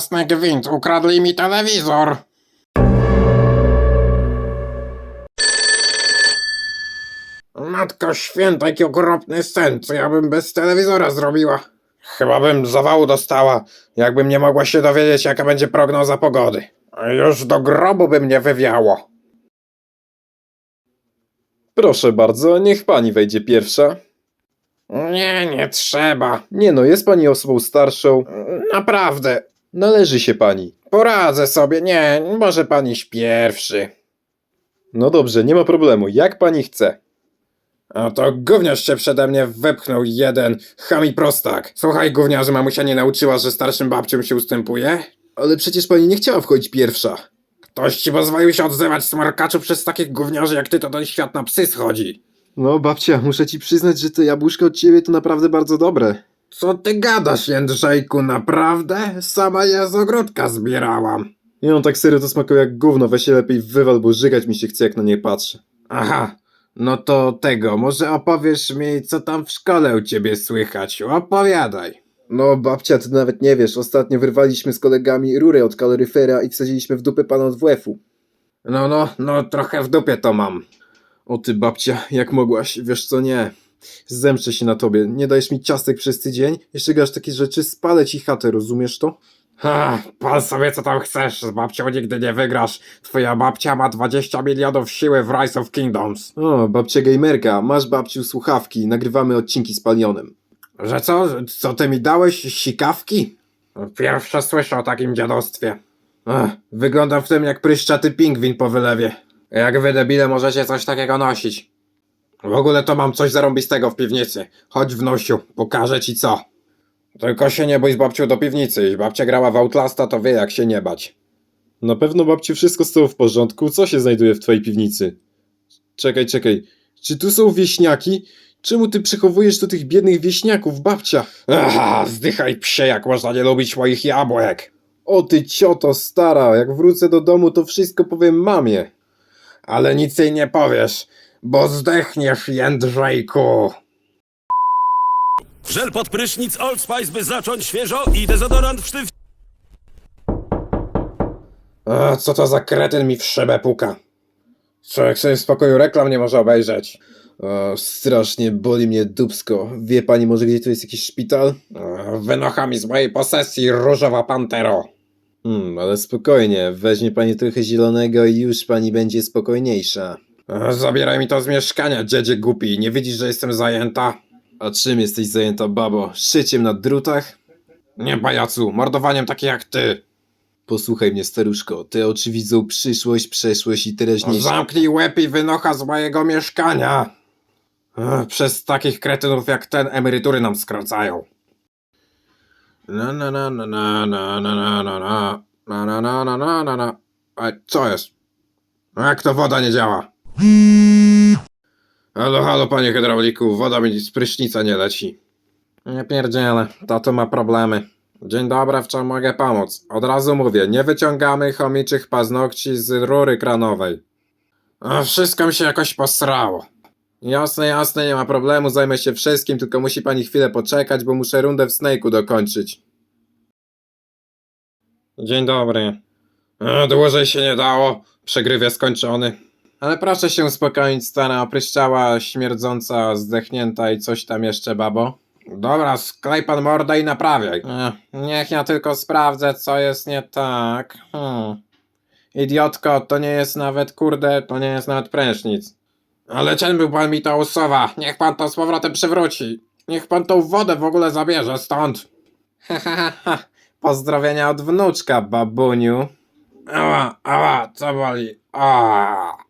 jasny gwint, ukradli mi telewizor. Matko święta, jaki okropny sen, co ja bym bez telewizora zrobiła? Chyba bym zawału dostała, jakbym nie mogła się dowiedzieć, jaka będzie prognoza pogody. Już do grobu by mnie wywiało. Proszę bardzo, niech pani wejdzie pierwsza. Nie trzeba. Nie no, jest pani osobą starszą. Naprawdę, Należy się pani. poradzę sobie, nie, może pan iść pierwszy. No dobrze, nie ma problemu, jak pani chce. A to gówniarz się przede mnie wepchnął jeden, chami prostak. Słuchaj gówniarzu, mamusia nie nauczyła, że starszym babciom się ustępuje? Ale przecież pani nie chciała wchodzić pierwsza. Ktoś ci pozwolił się odzywać, smarkaczu, przez takich gówniarzy jak ty to ten świat na psy schodzi. No babcia, muszę ci przyznać, że to jabłuszko od ciebie to naprawdę bardzo dobre. Co ty gadasz, Jędrzejku, naprawdę? Sama je z ogródka zbierałam. Nie no, tak serio to smakuje jak gówno, weź się lepiej wywal, bo żygać mi się chce jak na nie patrzę. Aha, no to tego, może opowiesz mi, co tam w szkole u ciebie słychać, opowiadaj. No babcia, ty nawet nie wiesz, ostatnio wyrwaliśmy z kolegami rurę od kaloryfera i wsadziliśmy w dupę pana od WF-u. No, trochę w dupie to mam. O ty babcia, jak mogłaś, wiesz co, nie. Zemszczę się na tobie, nie dajesz mi ciastek przez tydzień, jeszcze gasz takie rzeczy, spalę ci chatę, rozumiesz to? Ha, pal sobie co tam chcesz, z babcią nigdy nie wygrasz. Twoja babcia ma 20 milionów siły w Rise of Kingdoms. O, babcia gamerka, masz babciu słuchawki, nagrywamy odcinki z Palionem. Że co? Co ty mi dałeś? Sikawki? Pierwsze słyszę o takim dziadostwie. Wyglądam w tym jak pryszczaty pingwin po wylewie. Jak wy debile możecie coś takiego nosić? W ogóle to mam coś zarąbistego w piwnicy. Chodź wnosiu, pokażę ci co. Tylko się nie bój z babcią do piwnicy. Jeśli babcia grała w Outlasta, to wie jak się nie bać. Na pewno babciu wszystko z tobą w porządku, co się znajduje w twojej piwnicy? Czekaj, czy tu są wieśniaki? Czemu ty przechowujesz tu tych biednych wieśniaków, babcia? Aha, zdychaj psie, jak można nie lubić moich jabłek. O ty cioto stara, jak wrócę do domu to wszystko powiem mamie. Ale nic jej nie powiesz, bo zdechniesz, Jędrzejku. Żel pod prysznic Old Spice, by zacząć świeżo i dezodorant w sztyw... A co to za kretyn mi w szybę puka? Człowiek sobie w spokoju reklam nie może obejrzeć. O, strasznie boli mnie dupsko. Wie pani może gdzie tu jest jakiś szpital? Wynocha mi z mojej posesji, różowa pantero. Ale spokojnie, weźmie pani trochę zielonego i już pani będzie spokojniejsza. Zabieraj mi to z mieszkania, dziedzie głupi. Nie widzisz, że jestem zajęta? A czym jesteś zajęta, babo? Szyciem na drutach? Nie, pajacu, mordowaniem takie jak ty. Posłuchaj mnie, staruszko, te oczy widzą przyszłość, przeszłość i teraźniejszość. Zamknij łeb i wynocha z mojego mieszkania. Przez takich kretynów jak ten emerytury nam skracają. A co jest? Jak to woda nie działa? Halo, panie hydrauliku, woda mi z prysznica nie leci. Nie pierdzielę, tato ma problemy. Dzień dobry, w czym mogę pomóc? Od razu mówię, nie wyciągamy chomiczych paznokci z rury kranowej. Wszystko mi się jakoś posrało. Jasne, nie ma problemu, zajmę się wszystkim, tylko musi pani chwilę poczekać, bo muszę rundę w Snake'u dokończyć. Dzień dobry. Dłużej się nie dało, przegrywie skończony. Ale proszę się uspokoić, stara opryszczała, śmierdząca, zdechnięta i coś tam jeszcze, babo. Dobra, sklej pan mordę i naprawiaj. Niech ja tylko sprawdzę, co jest nie tak. Idiotko, to nie jest nawet, kurde, to nie jest nawet prysznic. Ale czym był pan mi to usuwa? Niech pan to z powrotem przywróci. Niech pan tą wodę w ogóle zabierze stąd. Pozdrowienia od wnuczka, babuniu. Ała, co boli?